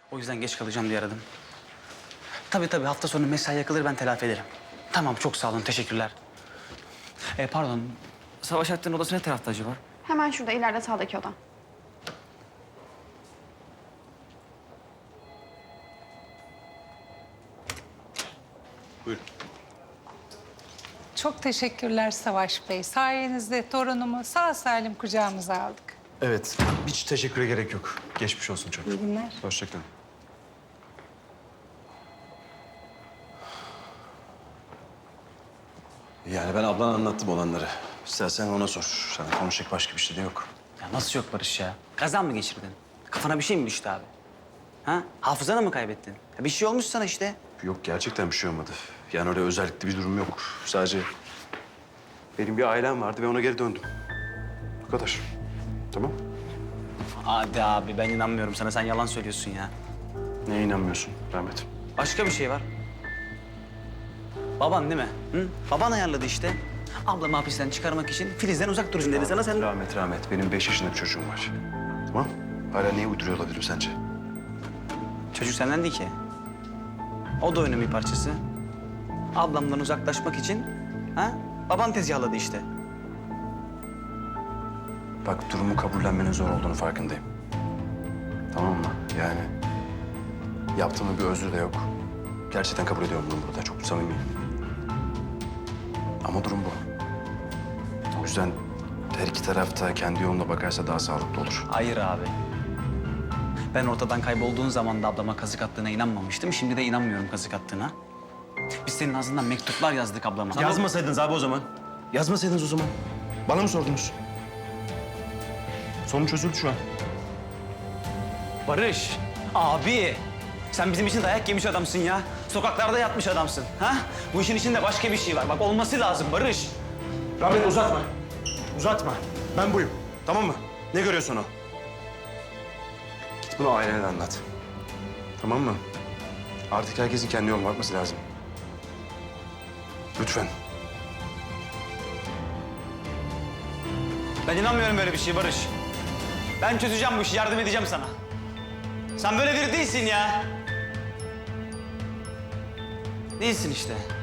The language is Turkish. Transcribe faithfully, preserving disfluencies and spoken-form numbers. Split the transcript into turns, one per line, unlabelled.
O yüzden geç kalacağım diye aradım. Tabii tabii hafta sonu mesai yakılır ben telafi ederim. Tamam çok sağ olun teşekkürler. E, pardon Savaş Alp'ten odası ne tarafta acaba?
Hemen şurada ileride sağdaki oda.
Buyurun.
Çok teşekkürler Savaş Bey. Sayenizde torunumu sağ salim kucağımıza aldık.
Evet, hiç teşekküre gerek yok. Geçmiş olsun çok.
İyi günler.
Hoşçakalın. Yani ben ablana anlattım olanları. İstersen ona sor. Sana konuşacak başka bir şey de yok.
Ya nasıl yok Barış ya? Kazan mı geçirdin? Kafana bir şey mi düştü abi? Ha? Hafızanı mı kaybettin? Ya bir şey olmuş sana işte.
Yok, gerçekten bir şey olmadı. Yani öyle özellikle bir durum yok. Sadece benim bir ailem vardı ve ona geri döndüm. Bu kadar. Tamam.
Hadi abi ben inanmıyorum sana. Sen yalan söylüyorsun ya.
Neye inanmıyorsun Rahmet?
Başka bir şey var. Baban değil mi? Hı? Baban ayarladı işte. Ablamı hapisten çıkarmak için Filiz'den uzak durun dedi sana sen...
Rahmet, Rahmet. Benim beş yaşında bir çocuğum var. Tamam. Hala neyi uyduruyor olabilirim sence?
Çocuk senden değil ki. O da oyunun bir parçası. Ablamdan uzaklaşmak için ha? Baban tezgahladı işte.
Bak, durumu kabullenmenin zor olduğunu farkındayım. Tamam mı? Yani yaptığımın bir özrü de yok. Gerçekten kabul ediyorum bunu burada. Çok samimiyim. Ama durum bu. O yüzden her iki taraf da kendi yoluna bakarsa daha sağlıklı olur.
Hayır abi. Ben ortadan kaybolduğun zaman da ablama kazık attığına inanmamıştım. Şimdi de inanmıyorum kazık attığına. Biz senin ağzından mektuplar yazdık ablama.
Yazmasaydınız abi o zaman. Yazmasaydınız o zaman. Bana mı sordunuz? Sorun çözüldü şu an.
Barış, abi. Sen bizim için dayak yemiş adamsın ya. Sokaklarda yatmış adamsın. Ha? Bu işin içinde başka bir şey var. Bak olması lazım Barış.
Rahmet, uzatma. Uzatma. Ben buyum. Tamam mı? Ne görüyorsun o? Git bunu ailene de anlat. Tamam mı? Artık herkesin kendi yoluna bakması lazım. Lütfen.
Ben inanmıyorum böyle bir şey Barış. Ben çözeceğim bu işi, yardım edeceğim sana. Sen böyle biri değilsin ya. Değilsin işte.